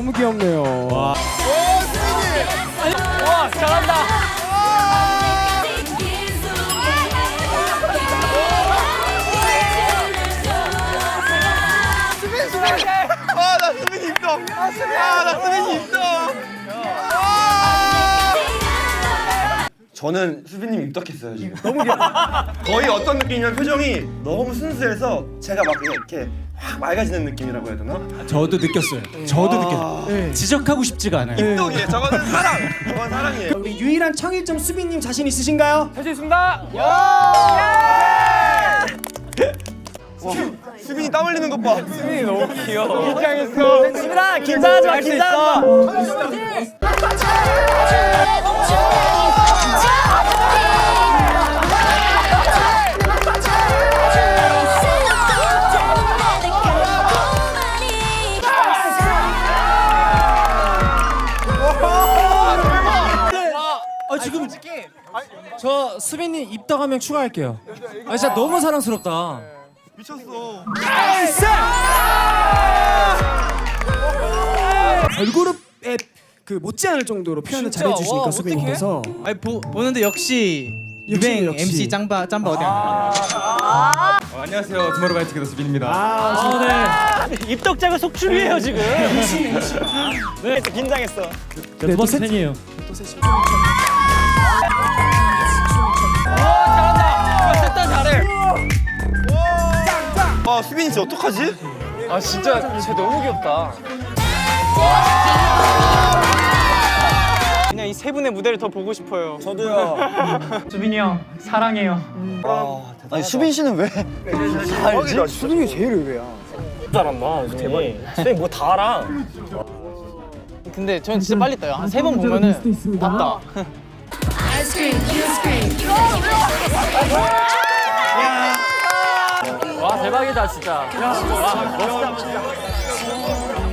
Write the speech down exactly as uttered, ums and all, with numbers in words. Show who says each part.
Speaker 1: 너무 귀엽네요.
Speaker 2: 와. 오, 와, 잘한다.
Speaker 3: 아, 나 수빈이 입덕. 아, 나 수빈이 입덕. 저는 수빈님 입덕했어요 지금. 너무 귀여워. 거의 어떤 느낌이냐면 표정이 너무 순수해서 제가 막 이렇게 확 맑아지는 느낌이라고 해야 되나?
Speaker 1: 저도 느꼈어요. 저도 느꼈어요. 네. 지적하고 싶지가 않아요.
Speaker 3: 입덕이에요. 저거는 사랑. 저건 사랑이에요.
Speaker 1: 우리 유일한 청일점 수빈님 자신 있으신가요?
Speaker 2: 할 수 있습니다.
Speaker 3: 와, 수빈이 땀 흘리는 것 봐.
Speaker 2: 수빈이 너무 귀여워. 긴장했어. 수빈아, 긴장하지 마, 긴장하지 마.
Speaker 1: 아 지금 저 수빈님 입덕 한 명 추가할게요. 아 진짜 너무 사랑스럽다.
Speaker 3: 미쳤어.
Speaker 1: 걸그룹에 그 못지않을 정도로 표현을
Speaker 2: 진짜?
Speaker 1: 잘해주시니까
Speaker 2: 와,
Speaker 1: 수빈님께서.
Speaker 4: 아니 보, 보는데 역시
Speaker 1: 역시,
Speaker 4: 유행
Speaker 1: 역시.
Speaker 4: 엠씨 짬바 짬바 어디 안
Speaker 5: 어, 안녕하세요. 투모로우바이투게더 수빈입니다.
Speaker 1: 아, 네.
Speaker 2: 입덕자가 속출이에요 지금. 네, 긴장했어.
Speaker 1: 네, 두 번째 팬이에요.
Speaker 2: 셋다 잘해.
Speaker 3: 와, 수빈이 진짜 어떡하지?
Speaker 2: 아 진짜 쟤 너무 귀엽다. 그냥 이 세 분의 무대를 더 보고 싶어요.
Speaker 3: 저도요.
Speaker 2: 수빈이 형 사랑해요.
Speaker 3: 아, 아니 수빈 씨는 왜? 알지? 수빈이 제일 의외야.
Speaker 2: 잘한다. 대박이. 수빈 뭐 다 알아.
Speaker 4: 근데 전 진짜 빨리 떠요. 한 세 번 보면은 봤다.
Speaker 2: 와 대박이다 진짜. 야, 와, 멋있다 진짜.